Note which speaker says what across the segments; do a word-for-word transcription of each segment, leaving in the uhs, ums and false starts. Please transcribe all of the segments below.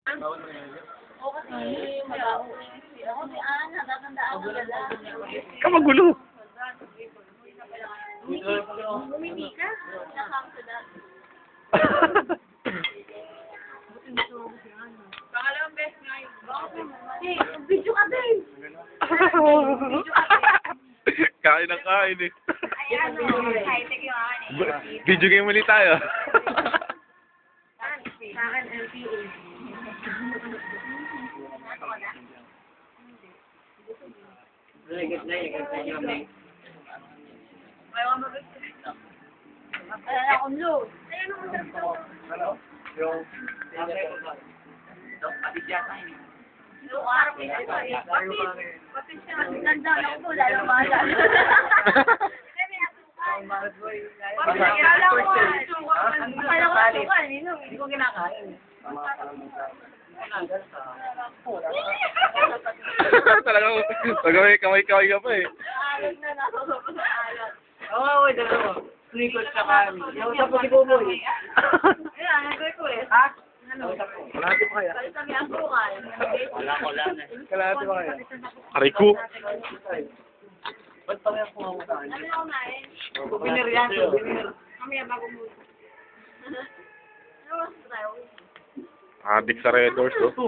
Speaker 1: O kasi malaw. Ako si Ana, tatandaan ko na lang.
Speaker 2: Kamagulo.
Speaker 1: Bumili ka? Nakam sa dati. Pangalawang best nga yun. Hey, video ka din! Video ka din!
Speaker 2: Kain ng kain eh.
Speaker 1: Ay, ano, high-tech yung ano eh.
Speaker 2: Video game ulit tayo.
Speaker 1: Sa akin, L P A. Ayaw mo ba? Ay, akong load. Ay, ano kung sarap to?
Speaker 3: Ano? Yung... Pati siya tayo.
Speaker 1: Yung araw ko ito eh. Pati, pati siya. Ganda lang po, lalo mahal. Pati kilala ko. Akala ko sukan, hindi ko kinakain.
Speaker 2: Talagang pagawin kamay-kamay ka pa eh.
Speaker 1: Alat na nakakapos sa alat.
Speaker 3: Oo, oo, dalawa. Sneakers sa kami. Nausap ko si Buboy.
Speaker 1: Ayan, nagawin ko eh.
Speaker 3: Ha?
Speaker 1: Ano?
Speaker 3: Kalahati pa kaya?
Speaker 1: Kalit kami ang sukal.
Speaker 3: Wala ko lang eh. Kalahati pa kaya?
Speaker 2: Aray ko.
Speaker 3: Ba't pa kaya kumawa sa akin?
Speaker 1: Ano yung kumain?
Speaker 3: Souvenir yan, souvenir.
Speaker 1: Mamaya bago mo. Ano mas tayo?
Speaker 2: Adik sa Red Doors oh.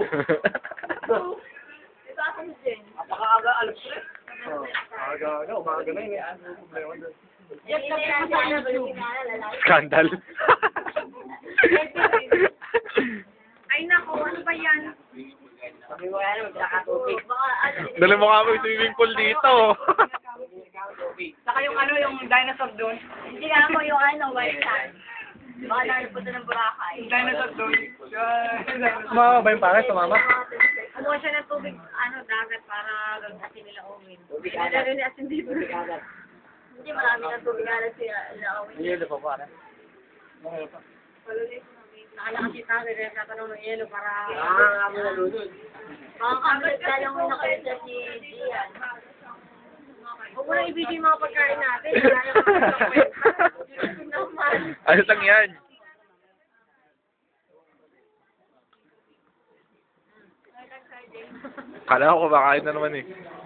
Speaker 1: Ito ako si Jen.
Speaker 3: Napakaaga, alas tres. Aga, aga, umaga na yun. Ano yung problema doon?
Speaker 1: Yan kami ang sana ba yung lalaki?
Speaker 2: Scandal.
Speaker 1: Ay nako, ano ba yan?
Speaker 3: Sabi mo yan, magkakatubig.
Speaker 1: Baka ano.
Speaker 2: Dali mo kami swimming pool dito.
Speaker 3: Saka yung ano, yung dinosaur doon.
Speaker 1: Hindi nga mo yung ano, white sand. Baka nalipunta ng Boracay.
Speaker 3: Yung dinosaur doon. Sumama ba yung pare? Sumama?
Speaker 1: Kumuha siya ng tubig, ano, dagat para gagasin nila Owen. Pinadala ni Asin dito. Hindi, marami ng tubig alat sila Owen.
Speaker 3: Yelo pa pare.
Speaker 1: Nakalakas si Tari, rin natanong ng yelo para...
Speaker 3: Ah, kami na doon.
Speaker 1: Mga kamit ka lang yung nakaisa si Gian. Huwag mo na ibigay yung mga pagkain natin. Wala yung mga pagkain naman.
Speaker 2: Ayos lang yan. Kala ko kumakain na naman eh.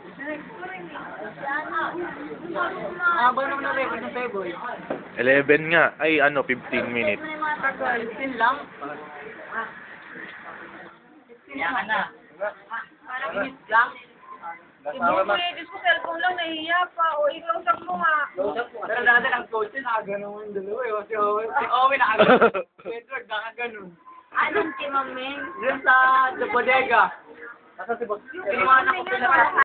Speaker 3: Ah, ba naman na record ng Peboy?
Speaker 2: eleven nga. Ay ano, fifteen minutes.
Speaker 3: fifteen lang? Kaya ka na.
Speaker 1: Parang minutes lang. Ibu ko eh, Diyos ko, cellphone lang, nahihiya pa. O, ikaw sak mo nga.
Speaker 3: Pero dati ang coach yun, nakaganon yung dalawa eh. Si Owen, si Owen nakaganon. Edward nakaganon.
Speaker 1: Anong timaming?
Speaker 3: Diyan sa, sa bodega. Nasa si Boss. Kinuha na ko sila.